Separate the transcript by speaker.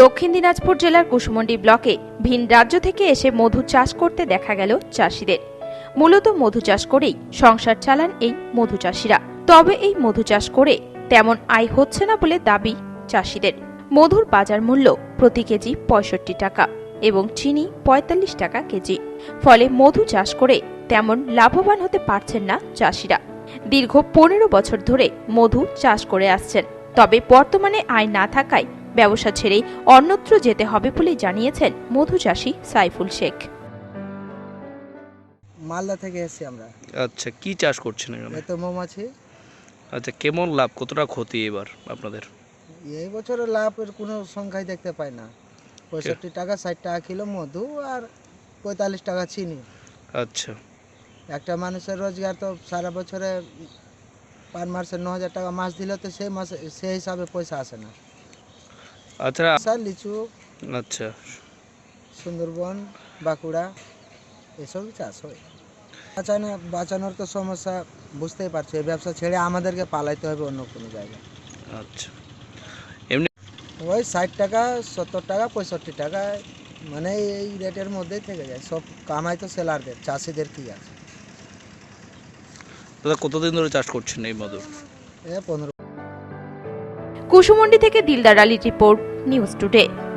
Speaker 1: দক্ষিণ দিনাজপুর জেলার কুশমন্ডি ব্লকে ভিন রাজ্য থেকে এসে মধু চাষ করতে দেখা গেল চাষিদের। মূলত মধু চাষ করেই সংসার চালান এই মধু চাষিরা। তবে এই মধু চাষ করে তেমন আয় হচ্ছে না বলে দাবি চাষিদের। মধুর বাজার মূল্য প্রতি কেজি ৬৫ টাকা এবং চিনি ৪৫ টাকা কেজি। ফলে মধু চাষ করে তেমন লাভবান হতে পারছেন না চাষিরা। দীর্ঘ ১৫ বছর ধরে মধু চাষ করে আসছেন, তবে বর্তমানে আয় না থাকায় ব্যবসা ছেড়ে অন্যত্র যেতে হবে বলে জানিয়েছেন মধু চাষী সাইফুল শেখ।
Speaker 2: মালদা থেকে এসেছি আমরা।
Speaker 3: আচ্ছা, কি চাষ করছেন এখানে?
Speaker 2: এই তো মৌমাছি।
Speaker 3: আচ্ছা, কেমন লাভ, কতটা ক্ষতি এবার আপনাদের?
Speaker 2: এই বছরের লাভের কোনো সংখ্যাই দেখতে পাই না। ৬৫ টাকা ৬০ টাকা কিলো মধু আর ৪৫ টাকা চিনি।
Speaker 3: আচ্ছা,
Speaker 2: একটা মানুষের রোজগার তো সারা বছরে পার মাসে ৯,০০০ টাকা মাস দিলে তো সেই মাসে সেই হিসাবে পয়সা আসে না।
Speaker 3: আচ্ছা,
Speaker 2: স্যার লিচু,
Speaker 3: আচ্ছা,
Speaker 2: সুন্দরবন, বাঁকুড়া এসবই চাষ হয়। বাঁচানোর তো সমস্যা বুঝতেই পারছো। এই ব্যবসা ছেড়ে আমাদেরকে পালাইতে হবে অন্য কোনো জায়গায়।
Speaker 3: আচ্ছা।
Speaker 2: ওই ৬০ টাকা ৭০ টাকা ৬৫ টাকা, মানে এই রেটের মধ্যেই থেকে যায়। সব কামাই তো সেলারদের, চাষিদের কি আছে।
Speaker 3: দাদা, কতদিন ধরে চাষ করছেন এই মধু?
Speaker 2: ১৫।
Speaker 1: কুশমন্ডি থেকে দিলদার আলীর রিপোর্ট, নিউজ টুডে।